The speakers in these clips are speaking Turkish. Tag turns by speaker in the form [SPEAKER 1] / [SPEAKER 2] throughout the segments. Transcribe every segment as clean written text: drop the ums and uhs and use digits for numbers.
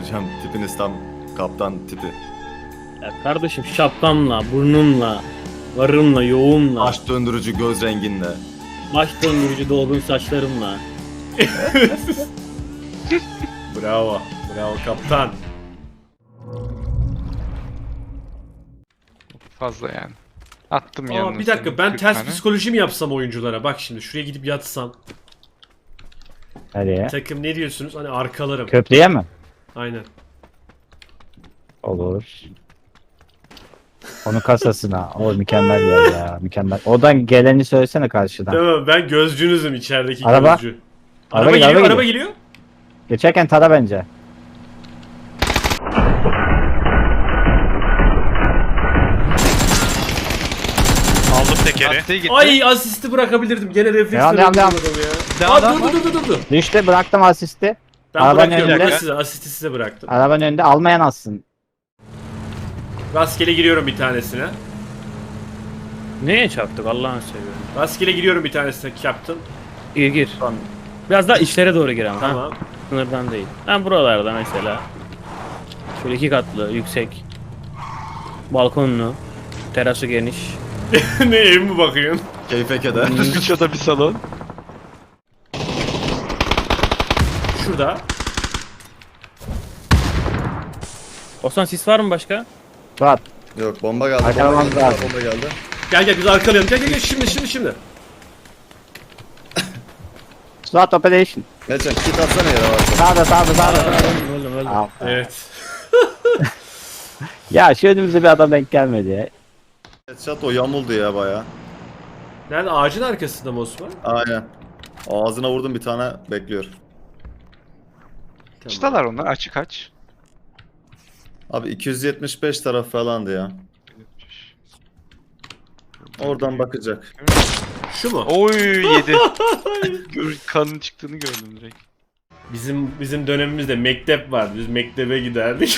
[SPEAKER 1] Hocam tipiniz tam kaptan tipi.
[SPEAKER 2] Ya kardeşim şapkamla, burnumla, varımla, yoğumla,
[SPEAKER 1] Baş döndürücü göz renginle.
[SPEAKER 2] baş döndürücü dolgun saçlarımla.
[SPEAKER 3] Bravo. Bravo kaptan.
[SPEAKER 4] Fazla yani. Attım yanına.
[SPEAKER 3] Bir dakika
[SPEAKER 4] senin
[SPEAKER 3] ben
[SPEAKER 4] 40
[SPEAKER 3] ters
[SPEAKER 4] tane.
[SPEAKER 3] psikoloji mi yapsam oyunculara? Bak şimdi şuraya gidip yatsam.
[SPEAKER 5] Nereye?
[SPEAKER 3] Takım ne diyorsunuz? Hani arkalarım.
[SPEAKER 5] Köprüye mi?
[SPEAKER 3] Aynen.
[SPEAKER 5] Olur. Onun kasasına. O mükemmel yer ya. Mükemmel. Oradan geleni söylesene karşıdan.
[SPEAKER 3] Tamam ben gözcünüzüm içerideki
[SPEAKER 5] Araba.
[SPEAKER 3] gözcü.
[SPEAKER 5] Araba
[SPEAKER 3] Araba
[SPEAKER 5] geliyor,
[SPEAKER 3] geliyor,
[SPEAKER 5] araba
[SPEAKER 3] araba geliyor.
[SPEAKER 5] Geçerken tara bence.
[SPEAKER 6] Aldım tekeri.
[SPEAKER 4] Lastiğe gitti.
[SPEAKER 3] Ay asisti bırakabilirdim. Gene refleks
[SPEAKER 5] Devam,
[SPEAKER 3] veremedim
[SPEAKER 5] devam.
[SPEAKER 3] adamı ya.
[SPEAKER 4] Devam,
[SPEAKER 3] Aa,
[SPEAKER 4] devam.
[SPEAKER 3] dur.
[SPEAKER 5] Düştü, bıraktım asisti.
[SPEAKER 3] Ben
[SPEAKER 5] Arabanın
[SPEAKER 3] bırakıyorum.
[SPEAKER 5] önünde.
[SPEAKER 3] Burası size. Asisti size bıraktım.
[SPEAKER 5] Arabanın önünde almayan alsın.
[SPEAKER 3] Rastgele giriyorum bir tanesine.
[SPEAKER 2] Neye çarptık Allah'ını seviyorum.
[SPEAKER 3] Rastgele giriyorum bir tanesine captain.
[SPEAKER 2] Gir. Biraz daha içlere doğru gir ama. Ha?
[SPEAKER 3] Tamam.
[SPEAKER 2] Sınırdan değil. Ben buralarda mesela. Şöyle 2 katlı, yüksek. Balkonlu. Terası geniş.
[SPEAKER 3] Ne ev mi bakıyorsun?
[SPEAKER 1] Keyfe keder.
[SPEAKER 4] Kıçada bir salon.
[SPEAKER 3] Şurada.
[SPEAKER 2] Osman sis var mı başka?
[SPEAKER 5] Suat.
[SPEAKER 1] Yok bomba geldi.
[SPEAKER 5] Arkalamamız lazım.
[SPEAKER 1] Bomba geldi.
[SPEAKER 3] Gel biz arkalayalım. Gel şimdi.
[SPEAKER 5] Suat operation.
[SPEAKER 1] Geçen kit atsana yere varsa.
[SPEAKER 5] Sağda.
[SPEAKER 2] Öldüm.
[SPEAKER 5] Al.
[SPEAKER 3] Evet.
[SPEAKER 5] Ya şu önümüze bir adam denk gelmedi ya.
[SPEAKER 1] Headshot o yamuldu ya baya.
[SPEAKER 3] Nerede? Ağacın arkasında mı Osman?
[SPEAKER 1] Aynen. Ağzına vurdum bir tane bekliyor.
[SPEAKER 4] Çıtalar onlar açık aç.
[SPEAKER 1] Abi 275 taraf falandı ya. Oradan bakacak.
[SPEAKER 3] Şu mu?
[SPEAKER 4] Oy yedi. Kanın çıktığını gördüm direkt.
[SPEAKER 3] Bizim dönemimizde mektep vardı. Biz mektebe giderdik.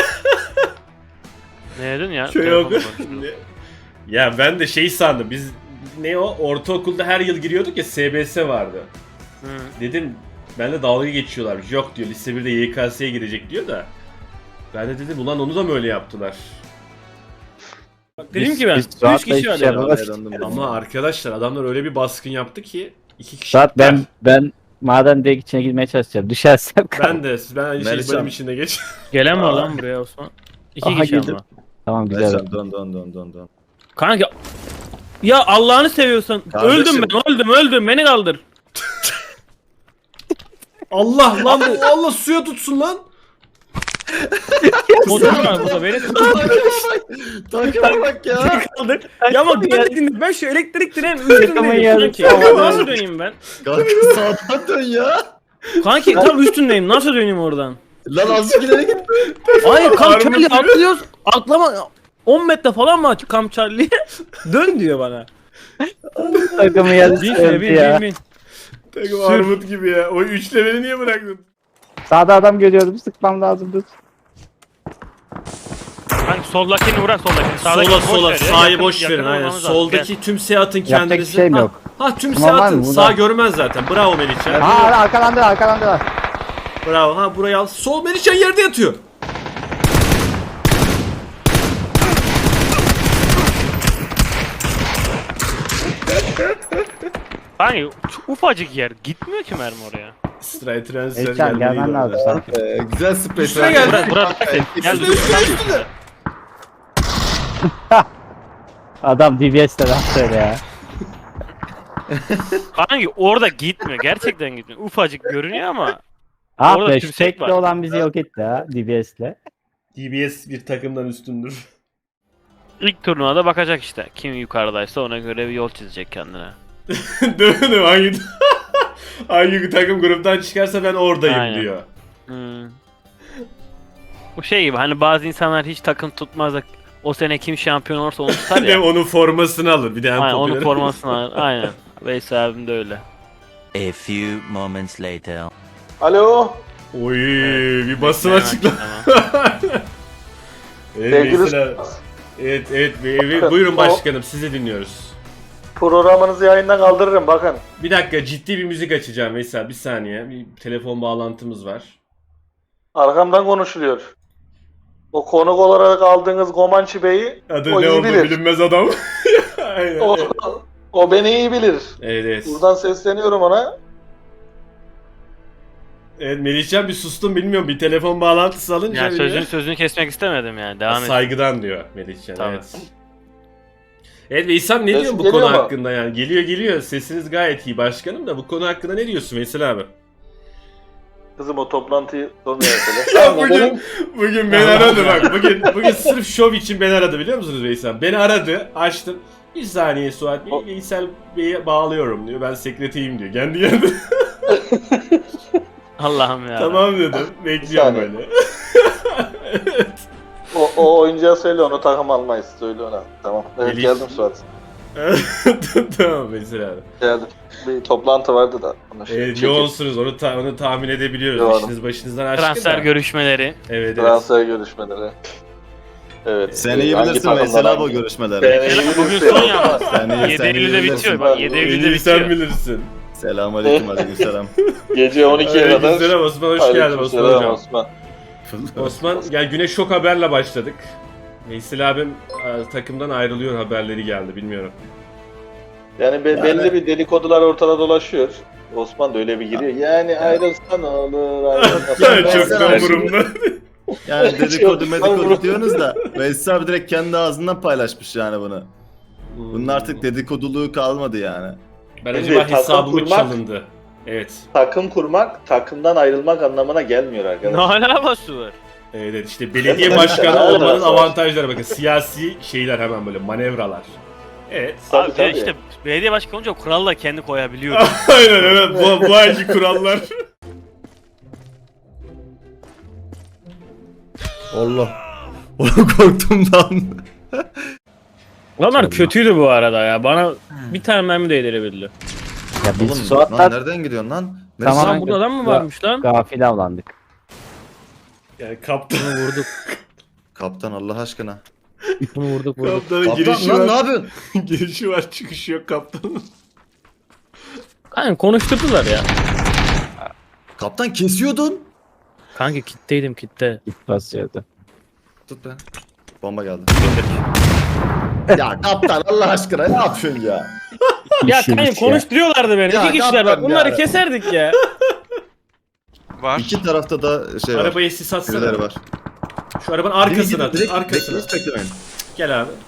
[SPEAKER 2] Ne dedin ya?
[SPEAKER 3] Köy oku. Ya ben de şey sandım. Biz ne o ortaokulda her yıl giriyorduk ya SBS vardı. Dedim ben de dalga geçiyorlarmış. Yok diyor lise 1'de YKS'ye girecek diyor da. Ben de dedim ulan onu da mı öyle yaptılar?
[SPEAKER 2] Dedim ki ben.
[SPEAKER 5] Biz
[SPEAKER 2] 3
[SPEAKER 5] Suat'la
[SPEAKER 2] kişi
[SPEAKER 5] hiçbir
[SPEAKER 2] var
[SPEAKER 5] şey
[SPEAKER 2] dedim.
[SPEAKER 5] yapamaz.
[SPEAKER 3] Ama arkadaşlar adamlar öyle bir baskın yaptı ki 2 kişi.
[SPEAKER 5] Suat ben maden direkt içine girmeye çalışacağım. Düşersem
[SPEAKER 3] Ben aynı şey
[SPEAKER 1] Melihcan.
[SPEAKER 3] benim içinde geç.
[SPEAKER 2] Gelen var lan buraya Osman. 2
[SPEAKER 5] Aha,
[SPEAKER 2] kişi
[SPEAKER 5] girdim.
[SPEAKER 2] ama.
[SPEAKER 5] Tamam güzel.
[SPEAKER 1] Geçen dön.
[SPEAKER 2] Kanka. Ya Allah'ını seviyorsan.
[SPEAKER 1] Kardeşim.
[SPEAKER 2] Öldüm. Beni kaldır.
[SPEAKER 3] Allah lan Allah suya tutsun lan.
[SPEAKER 2] Motor var burada beni
[SPEAKER 1] Takıma bak ya.
[SPEAKER 2] kaldır. Ya ama dikkat edin ben şu elektrik direğin üstündeyim
[SPEAKER 5] yarım
[SPEAKER 2] sanki.
[SPEAKER 5] havada.
[SPEAKER 2] Nasıl döneyim ben?
[SPEAKER 1] Kanka sağdan dön ya.
[SPEAKER 2] Kanki tam üstündeyim. Nasıl döneyim oradan?
[SPEAKER 1] Lan azıcık ileri git.
[SPEAKER 2] Hayır Kamp
[SPEAKER 3] Armut
[SPEAKER 2] Charlie
[SPEAKER 3] gibi.
[SPEAKER 2] atlıyoruz. Atlama 10 metre falan mı aç Kamp Charlie? Dön diyor bana.
[SPEAKER 5] Takımı yarısı
[SPEAKER 2] Bin
[SPEAKER 5] öldü ya.
[SPEAKER 2] bin.
[SPEAKER 3] Takım armut gibi ya. O 3 leveli niye bıraktın?
[SPEAKER 5] Sağda adam görüyorum. Sıkmam lazım. Dur.
[SPEAKER 6] Kanka soldakini vuran soldakini. Sağdaki
[SPEAKER 3] Sola
[SPEAKER 6] boş ver ya,
[SPEAKER 3] sağı
[SPEAKER 6] yakın-
[SPEAKER 3] boş verin
[SPEAKER 6] yakın
[SPEAKER 3] aynen.
[SPEAKER 6] olmamız lazım.
[SPEAKER 3] Soldaki tümseyi atın
[SPEAKER 5] Yapacak bir
[SPEAKER 3] kendinizi.
[SPEAKER 5] şeyim
[SPEAKER 3] Ha,
[SPEAKER 5] yok.
[SPEAKER 3] Ha tümseyi
[SPEAKER 5] Tamam, var
[SPEAKER 3] atın.
[SPEAKER 5] mı?
[SPEAKER 3] Sağ
[SPEAKER 5] Buradan.
[SPEAKER 3] görmez zaten. Bravo Melihcan.
[SPEAKER 5] Aa arkalandılar.
[SPEAKER 3] Bravo. Ha burayı al. Sol Melihcan yerde yatıyor.
[SPEAKER 6] Kanka şu ufacık yer gitmiyor ki mermi oraya.
[SPEAKER 3] Stray transfer
[SPEAKER 5] Elçan gelmen lazım sanki.
[SPEAKER 1] Güzel space.
[SPEAKER 3] Üstüne geldi.
[SPEAKER 6] Bura dikkat et. Gel
[SPEAKER 3] Üstüne.
[SPEAKER 5] Adam DBS'de lan söyle ya.
[SPEAKER 6] Kanka orada gitmiyor. Gerçekten gitmiyor. Ufacık görünüyor ama.
[SPEAKER 5] Ah
[SPEAKER 6] Orada
[SPEAKER 5] be şu
[SPEAKER 6] tümsek
[SPEAKER 5] tekli
[SPEAKER 6] var.
[SPEAKER 5] olan bizi yok etti ha DBS'le.
[SPEAKER 3] DBS bir takımdan üstündür.
[SPEAKER 6] İlk turnuvada bakacak işte. Kim yukarıdaysa ona göre bir yol çizecek kendine.
[SPEAKER 3] Dönüm hangi takım gruptan çıkarsa ben oradayım
[SPEAKER 6] Aynen.
[SPEAKER 3] diyor.
[SPEAKER 6] Bu şey gibi hani bazı insanlar hiç takım tutmaz da o sene kim şampiyon olursa onu tutar
[SPEAKER 3] Değil
[SPEAKER 6] ya.
[SPEAKER 3] mi? Onun formasını alır. Bir de en
[SPEAKER 6] Aynen onun
[SPEAKER 3] popüler.
[SPEAKER 6] formasını alır. Aynen. Veysel abim de öyle.
[SPEAKER 7] A few moments later.
[SPEAKER 8] Alo.
[SPEAKER 3] Oy bir basın
[SPEAKER 6] Hemen
[SPEAKER 3] açıklama.
[SPEAKER 6] açıklama.
[SPEAKER 3] Evet,
[SPEAKER 8] Sevgili
[SPEAKER 3] mesela, evet, buyurun başkanım sizi dinliyoruz.
[SPEAKER 8] Programınızı yayından kaldırırım bakın.
[SPEAKER 3] Bir dakika ciddi bir müzik açacağım Veysel bir saniye. Bir telefon bağlantımız var.
[SPEAKER 8] Arkamdan konuşuluyor. O konuk olarak aldığınız Gomançı Bey'i
[SPEAKER 3] Adı
[SPEAKER 8] o
[SPEAKER 3] ne
[SPEAKER 8] iyi
[SPEAKER 3] oldu
[SPEAKER 8] bilir.
[SPEAKER 3] bilinmez adam. Aynen.
[SPEAKER 8] O beni iyi bilir.
[SPEAKER 3] Evet evet.
[SPEAKER 8] Buradan sesleniyorum ona.
[SPEAKER 3] Evet Melihcan bir sustun bilmiyorum bir telefon bağlantısı alınca.
[SPEAKER 6] Yani
[SPEAKER 3] bir de-
[SPEAKER 6] sözünü kesmek istemedim yani. Devam et.
[SPEAKER 3] Saygıdan diyor Melihcan.
[SPEAKER 6] Tamam.
[SPEAKER 3] Evet. Evet Veysel ne
[SPEAKER 8] Ses
[SPEAKER 3] diyorsun bu
[SPEAKER 8] geliyor
[SPEAKER 3] konu
[SPEAKER 8] mu?
[SPEAKER 3] hakkında yani? Geliyor. Sesiniz gayet iyi başkanım da bu konu hakkında ne diyorsun Veysel abi?
[SPEAKER 8] Kızım o toplantıyı sonra yapalım.
[SPEAKER 3] Ya
[SPEAKER 8] Tamam,
[SPEAKER 3] bugün beni aradı bak. Bugün sırf şov için beni aradı biliyor musunuz Veysel? Beni aradı, açtım. Bir saniye Suat Bey, Veysel Bey'e bağlıyorum diyor. Ben sekreteyim diyor. Kendi geldi.
[SPEAKER 6] Allah'ım ya.
[SPEAKER 3] Tamam dedim. Bekliyorum
[SPEAKER 8] saniye.
[SPEAKER 3] böyle.
[SPEAKER 8] o oyuncağa söyle onu takım almayız. Söyle ona. Tamam. Evet
[SPEAKER 3] Melih.
[SPEAKER 8] geldim Suat.
[SPEAKER 3] Tamam Veysel abi.
[SPEAKER 8] Geldim. Bir toplantı vardı da. Onu
[SPEAKER 3] Evet,
[SPEAKER 8] çekeyim.
[SPEAKER 3] yoğunsunuz onu tahmin edebiliyoruz.
[SPEAKER 8] Yoğunum.
[SPEAKER 3] İşiniz başınızdan aşkın
[SPEAKER 6] Transfer
[SPEAKER 3] da.
[SPEAKER 6] görüşmeleri.
[SPEAKER 3] Evet evet.
[SPEAKER 8] Transfer görüşmeleri. Evet.
[SPEAKER 1] Sen iyi
[SPEAKER 8] Hangi
[SPEAKER 1] bilirsin
[SPEAKER 8] takımdan
[SPEAKER 1] Veysel abi o
[SPEAKER 8] hangi-
[SPEAKER 1] görüşmeleri.
[SPEAKER 8] Ben iyi
[SPEAKER 6] Bugün
[SPEAKER 8] bilirsin.
[SPEAKER 6] son ya.
[SPEAKER 1] Sen iyi
[SPEAKER 6] 7 Eylül'de
[SPEAKER 1] bilirsin.
[SPEAKER 6] bitiyor. Bak 7
[SPEAKER 3] En
[SPEAKER 6] Eylül'de
[SPEAKER 3] iyi sen
[SPEAKER 6] bitiyor.
[SPEAKER 3] bilirsin.
[SPEAKER 1] Selamun aleyküm
[SPEAKER 8] Gece 12'ye kadar.
[SPEAKER 3] Aleykümselam Osman hoş geldin Osman
[SPEAKER 8] Aleykümselam
[SPEAKER 3] hocam.
[SPEAKER 8] Osman.
[SPEAKER 3] Osman gel güne şok haberle başladık. Veysel abim takımdan ayrılıyor haberleri geldi bilmiyorum.
[SPEAKER 8] Yani belli bir dedikodular ortada dolaşıyor. Osman da öyle bir giriyor. Yani ayrılsan olur, ayrılmasan
[SPEAKER 1] Ya ben
[SPEAKER 3] Çok
[SPEAKER 1] sana
[SPEAKER 3] da
[SPEAKER 1] şimdi-
[SPEAKER 3] umurumda.
[SPEAKER 1] Yani dedikodu
[SPEAKER 8] Çok
[SPEAKER 1] medikodu
[SPEAKER 8] doğru.
[SPEAKER 1] diyorsunuz da Veysel abi direkt kendi ağzından paylaşmış yani bunu. Bunun artık dedikoduluğu kalmadı yani.
[SPEAKER 3] Ben
[SPEAKER 8] Şimdi
[SPEAKER 3] acaba
[SPEAKER 8] takım
[SPEAKER 3] hesabımı
[SPEAKER 8] kurmak-
[SPEAKER 3] çalındı. Evet.
[SPEAKER 8] takım kurmak, takımdan ayrılmak anlamına gelmiyor
[SPEAKER 6] Ne
[SPEAKER 8] arkadaşlar.
[SPEAKER 6] alakası var?
[SPEAKER 3] Evet işte belediye
[SPEAKER 8] Evet,
[SPEAKER 3] başkanı
[SPEAKER 8] evet,
[SPEAKER 3] olmanın
[SPEAKER 8] evet.
[SPEAKER 3] avantajları bakın. Siyasi şeyler hemen böyle manevralar. Evet.
[SPEAKER 8] Tabii,
[SPEAKER 6] Abi
[SPEAKER 8] tabii.
[SPEAKER 6] işte belediye başkanı olunca kural da kendi koyabiliyordu.
[SPEAKER 3] Aynen evet bu ayki kurallar.
[SPEAKER 1] Allah. Korktum lan.
[SPEAKER 2] Adamlar kötüydü bu arada ya. Bana bir tane mermi değdirebildi.
[SPEAKER 5] Ya biz
[SPEAKER 1] Oğlum lan
[SPEAKER 5] Suat'tan
[SPEAKER 1] nereden gidiyorsun lan?
[SPEAKER 5] Tamam.
[SPEAKER 2] Lan burada adam mı varmış lan?
[SPEAKER 5] gafil avlandık.
[SPEAKER 3] Yani kaptan,
[SPEAKER 2] Bunu vurduk.
[SPEAKER 1] Kaptan Allah aşkına.
[SPEAKER 2] Bunu vurduk.
[SPEAKER 3] kaptanın
[SPEAKER 1] Kaptan
[SPEAKER 3] girişi
[SPEAKER 1] lan ne
[SPEAKER 3] var.
[SPEAKER 1] yapıyorsun?
[SPEAKER 3] Girişi var çıkışı yok kaptanın.
[SPEAKER 2] Kanka konuşturdular ya.
[SPEAKER 1] Kaptan kesiyordun.
[SPEAKER 2] Kanka kitteydim kitte.
[SPEAKER 5] İlk basıyordu.
[SPEAKER 1] Tut be. Bomba geldi. Ya kaptan Allah aşkına ne yapıyorsun ya?
[SPEAKER 2] Ya
[SPEAKER 5] İşin
[SPEAKER 2] kanka
[SPEAKER 5] işi
[SPEAKER 2] konuşturuyorlardı beni.
[SPEAKER 1] Ya
[SPEAKER 2] İki kişiler bak
[SPEAKER 1] kaptan
[SPEAKER 2] bunları
[SPEAKER 1] yani.
[SPEAKER 2] keserdik ya.
[SPEAKER 4] Var.
[SPEAKER 1] İki tarafta da şey var.
[SPEAKER 3] Arabaya sis atsana.
[SPEAKER 1] Birileri var.
[SPEAKER 3] Şu arabanın arkasına at.
[SPEAKER 1] Direkt
[SPEAKER 3] Arkasına.
[SPEAKER 1] hiç beklemeyin.
[SPEAKER 3] Gel abi.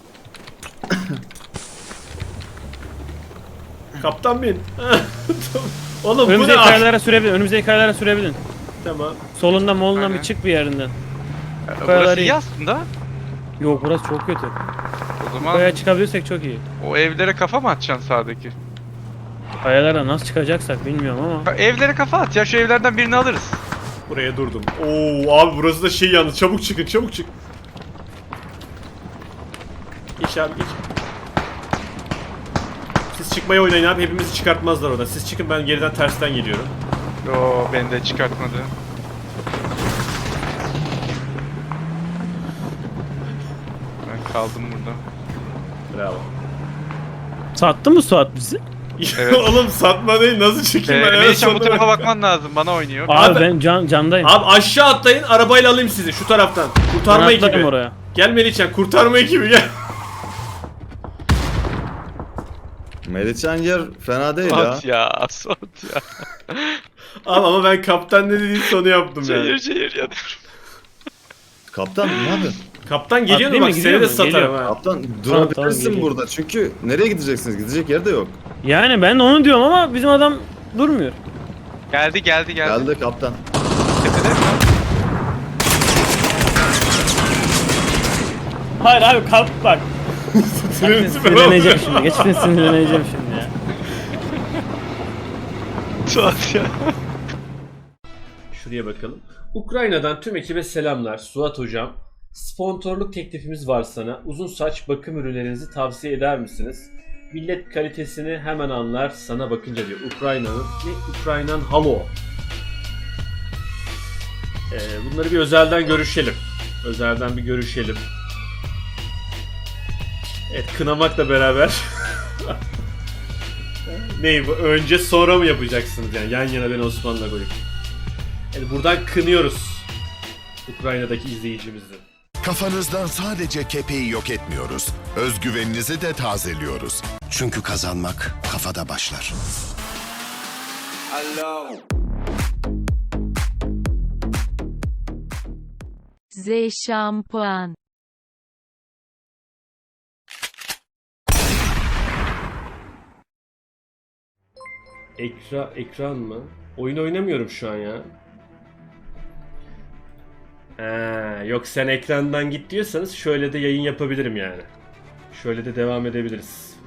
[SPEAKER 3] Kaptan bin. Oğlum bu
[SPEAKER 2] Önümüzdeki
[SPEAKER 3] ne?
[SPEAKER 2] kayalara sürebilin. Önümüzdeki kayalara sürebilin.
[SPEAKER 3] Tamam.
[SPEAKER 2] Solundan molundan
[SPEAKER 4] Aynen.
[SPEAKER 2] bir çık bir yerinden.
[SPEAKER 4] Burası
[SPEAKER 2] iyi.
[SPEAKER 4] iyi aslında.
[SPEAKER 2] Yok burası çok kötü.
[SPEAKER 4] O zaman
[SPEAKER 2] Kayaya çıkabilirsek çok iyi.
[SPEAKER 4] o evlere kafa mı atacaksın sağdaki?
[SPEAKER 2] Kayalara nasıl çıkacaksak bilmiyorum ama.
[SPEAKER 4] Evlere kafa at ya, şu evlerden birini alırız.
[SPEAKER 3] Buraya durdum. Oo abi burası da şey yalnız. Çabuk çıkın çabuk çık. Geç abi geç. Siz çıkmaya oynayın abi. Hepimizi çıkartmazlar oradan. Siz çıkın ben geriden tersten geliyorum.
[SPEAKER 4] Yo, beni de çıkartmadı. Ben kaldım burada.
[SPEAKER 3] Bravo.
[SPEAKER 2] Sattı mı Suat bizi?
[SPEAKER 4] Evet.
[SPEAKER 3] Oğlum satma değil nasıl çıkayım ben?
[SPEAKER 4] Melihcan bu
[SPEAKER 3] sonuna
[SPEAKER 4] tarafa
[SPEAKER 3] bak.
[SPEAKER 4] bakman lazım, bana oynuyor.
[SPEAKER 2] Abi ben candayım.
[SPEAKER 3] Abi aşağı atlayın arabayla alayım sizi şu taraftan. Kurtarma
[SPEAKER 2] Ben atlarım
[SPEAKER 3] ekibi.
[SPEAKER 2] oraya.
[SPEAKER 3] Gel Melihcan kurtarma ekibi gel.
[SPEAKER 1] Melihcan yer fena değil ya.
[SPEAKER 4] Suat ya, Suat ya.
[SPEAKER 3] Abi ama ben kaptan ne dediğin sonu yaptım yani.
[SPEAKER 4] Şehir ya.
[SPEAKER 1] Kaptan ne yapıyorsun?
[SPEAKER 3] Kaptan geliyor mu
[SPEAKER 2] Atlayayım
[SPEAKER 3] bak
[SPEAKER 2] mı?
[SPEAKER 3] seni de
[SPEAKER 2] Gidiyor mu?
[SPEAKER 3] satarım
[SPEAKER 2] Geliyor.
[SPEAKER 3] ha.
[SPEAKER 1] Kaptan
[SPEAKER 2] Tamam,
[SPEAKER 1] durabilirsin
[SPEAKER 2] geliyor.
[SPEAKER 1] burada çünkü nereye gideceksiniz? Gidecek yer de yok.
[SPEAKER 2] Yani ben de onu diyorum ama bizim adam durmuyor.
[SPEAKER 4] Geldi.
[SPEAKER 1] Geldi kaptan.
[SPEAKER 4] Tepede mi?
[SPEAKER 2] Hayır abi kalk bak.
[SPEAKER 3] Sürüntü
[SPEAKER 2] Sinirleneceğim şimdi. Geçmişte sinirleneceğim şimdi ya.
[SPEAKER 4] Suat ya.
[SPEAKER 3] Şuraya bakalım. Ukrayna'dan tüm ekibe selamlar. Suat hocam. Sponsorluk teklifimiz var sana. Uzun saç bakım ürünlerinizi tavsiye eder misiniz? Millet kalitesini hemen anlar sana bakınca diyor. Ukraynan Halo. Bunları bir özelden görüşelim. Özelden bir görüşelim. Evet kınamakla beraber. Ney bu? Önce sonra mı yapacaksınız yani? Yan yana beni Osman'la koyup. Yani buradan kınıyoruz. Ukrayna'daki izleyicimizi.
[SPEAKER 9] Kafanızdan sadece kepeği yok etmiyoruz. Özgüveninizi de tazeliyoruz. Çünkü kazanmak kafada başlar.
[SPEAKER 10] Z şampuan.
[SPEAKER 3] Ekran mı? Oyun oynamıyorum şu an ya. Yok sen ekrandan git diyorsanız şöyle de yayın yapabilirim yani. Şöyle de devam edebiliriz.